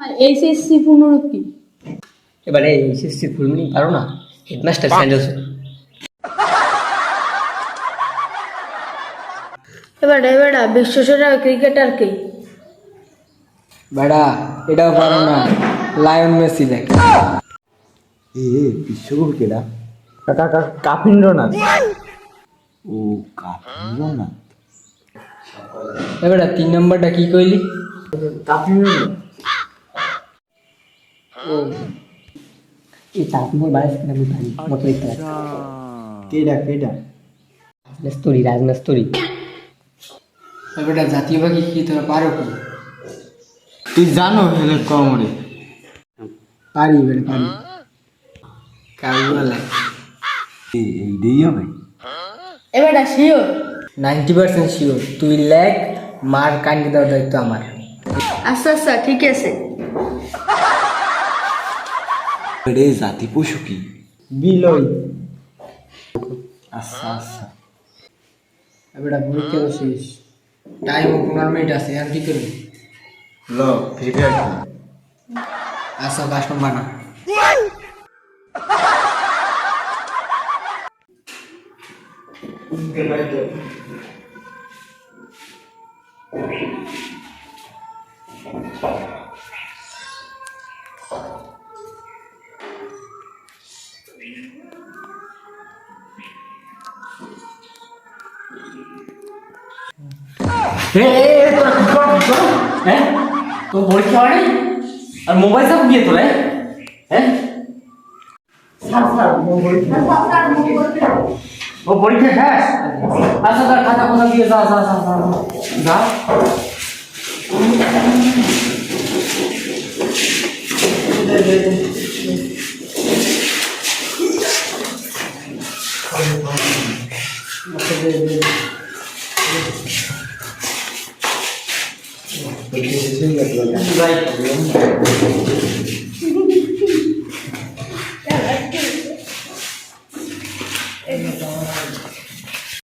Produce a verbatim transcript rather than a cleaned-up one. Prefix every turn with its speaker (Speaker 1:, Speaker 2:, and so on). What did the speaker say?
Speaker 1: আর HSC পুনরূপ কি?
Speaker 2: এবারে HSC ফুল meaning পারো না? Headmaster sandals.
Speaker 1: এবার এবারে বিশ্বসেরা ক্রিকেটার কে?
Speaker 3: বেড়া এটাও পারো না, লায়ন মেসি দেখ।
Speaker 4: এ বিশ্বকাপ কেডা?
Speaker 3: কাকা কাকা কাপিন্দ্রনাথ।
Speaker 4: ও কাপিন্দ্রনাথ।
Speaker 3: এবারে তিন নম্বরটা কি কইলি? কাপিন্দ্রনাথ। ও
Speaker 2: এই তারপর বাইরে থেকে আমি পারি মতো দেখতে পাচ্ছি।
Speaker 4: কেডা কেডা?
Speaker 2: রাজনাস্তরি রাজনাস্তরি।
Speaker 3: এবারে জাতীয় পাখি কি তোরা পারো কি?
Speaker 4: তুই জানো হেলে কমরে?
Speaker 3: পারি এবারে পারি। কাউয়ালা।
Speaker 4: এই এইটাই হবে।
Speaker 1: এবারে শিওর?
Speaker 3: Ninety percent sure. তুই লেখ, মার কান্ডি দেওয়ার দায়িত্ব আমার।
Speaker 1: আচ্ছা আচ্ছা ঠিক আছে।
Speaker 4: রে জাতি পশু কি?
Speaker 3: বিলই।
Speaker 4: আচ্ছা আচ্ছা।
Speaker 3: এবারে পরীক্ষা তো শেষ, টাইম পনেরো মিনিট আছে, আর কি করবি?
Speaker 4: ল ফ্রি ফায়ার খেলি।
Speaker 3: আচ্ছা পাঁচ নম্বর না।
Speaker 2: হ্যাঁ তো পরীক্ষা হয় নাই আর মোবাইল চাপ গিয়ে তোলে হ্যাঁ ও পরীক্ষা শেষ আচ্ছা তার খাতা কোথা দিয়ে যা যা যা যা যা Right.